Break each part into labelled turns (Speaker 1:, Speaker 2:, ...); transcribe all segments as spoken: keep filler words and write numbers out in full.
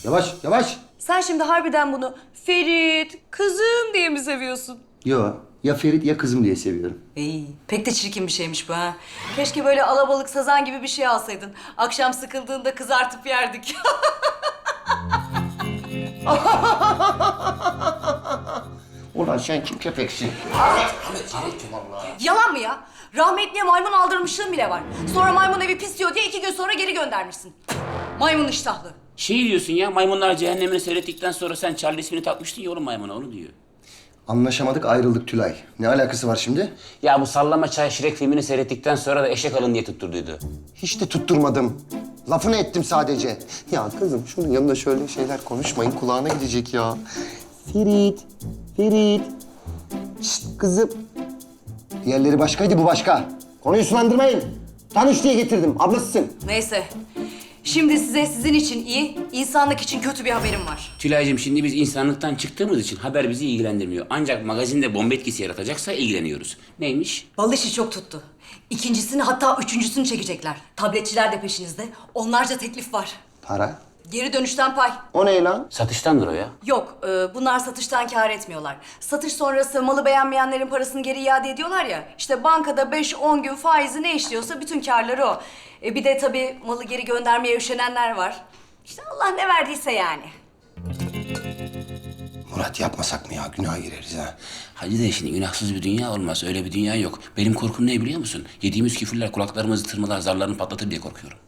Speaker 1: Yavaş, yavaş.
Speaker 2: Sen şimdi harbiden bunu Ferit, kızım diye mi seviyorsun?
Speaker 1: Yo, ya Ferit ya kızım diye seviyorum.
Speaker 2: İyi. Pek de çirkin bir şeymiş bu ha. Keşke böyle alabalık sazan gibi bir şey alsaydın. Akşam sıkıldığında kızartıp yerdik.
Speaker 1: Ulan sen kim köpeksin?
Speaker 2: Yalan mı ya? Rahmetliye maymun aldırmışlığın bile var. Sonra maymun evi pis diyor diye iki gün sonra geri göndermişsin. Maymun iştahlı.
Speaker 3: Şey diyorsun ya, Maymunlar Cehennemini seyrettikten sonra sen Charlie ismini takmıştın ya oğlum maymuna, onu diyor.
Speaker 1: Anlaşamadık, ayrıldık Tülay. Ne alakası var şimdi?
Speaker 3: Ya bu Sallama Çay Şirek filmini seyrettikten sonra da eşek alın diye tutturduydu.
Speaker 1: Hiç de tutturmadım. Lafını ettim sadece. Ya kızım şunun yanında şöyle şeyler konuşmayın. Kulağına gidecek ya. Ferit, Ferit. Şşt kızım. Diğerleri başkaydı, bu başka. Konuyu sulandırmayın. Tanış diye getirdim. Ablasısın.
Speaker 2: Neyse. Şimdi size sizin için iyi, insanlık için kötü bir haberim var.
Speaker 3: Tülay'cığım şimdi biz insanlıktan çıktığımız için haber bizi ilgilendirmiyor. Ancak magazinde bomba etkisi yaratacaksa ilgileniyoruz. Neymiş?
Speaker 2: Bal işi çok tuttu. İkincisini hatta üçüncüsünü çekecekler. Tabletçiler de peşinizde. Onlarca teklif var.
Speaker 1: Para.
Speaker 2: Geri dönüşten pay.
Speaker 1: O ne lan?
Speaker 3: Satıştandır o ya.
Speaker 2: Yok, e, bunlar satıştan kâr etmiyorlar. Satış sonrası malı beğenmeyenlerin parasını geri iade ediyorlar ya. İşte bankada beş on gün faizi ne işliyorsa bütün kârları o. E, bir de tabii malı geri göndermeye üşenenler var. İşte Allah ne verdiyse yani.
Speaker 1: Murat yapmasak mı ya? Günaha gireriz ha.
Speaker 3: Hacı de şimdi günahsız bir dünya olmaz. Öyle bir dünya yok. Benim korkum ne biliyor musun? Yediğimiz küfürler kulaklarımızı tırmalar, zarlarını patlatır diye korkuyorum.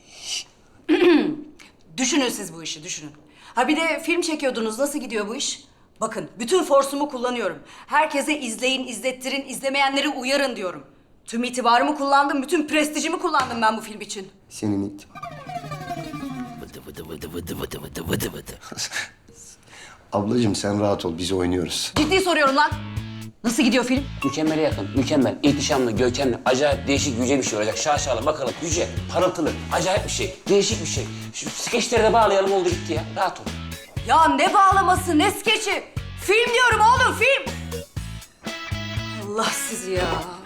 Speaker 2: Düşünün siz bu işi, düşünün. Ha bir de film çekiyordunuz, nasıl gidiyor bu iş? Bakın, bütün forsumu kullanıyorum. Herkese izleyin, izlettirin, izlemeyenleri uyarın diyorum. Tüm itibarımı kullandım, bütün prestijimi kullandım ben bu film için.
Speaker 1: Senin it.
Speaker 3: Vıdı vıdı vıdı vıdı vıdı vıdı vıdı vıdı.
Speaker 1: Ablacığım sen rahat ol. Biz oynuyoruz.
Speaker 2: Ciddi soruyorum lan. Nasıl gidiyor film?
Speaker 3: Mükemmele yakın, mükemmel, ihtişamlı, görkemli, acayip değişik, yüce bir şey olacak. Şaşalı, bakalım, yüce, parıltılı, acayip bir şey, değişik bir şey. Şu skeçleri de bağlayalım, oldu gitti ya. Rahat ol.
Speaker 2: Ya ne bağlaması, ne skeçi? Film diyorum oğlum, film! Allah sizi ya.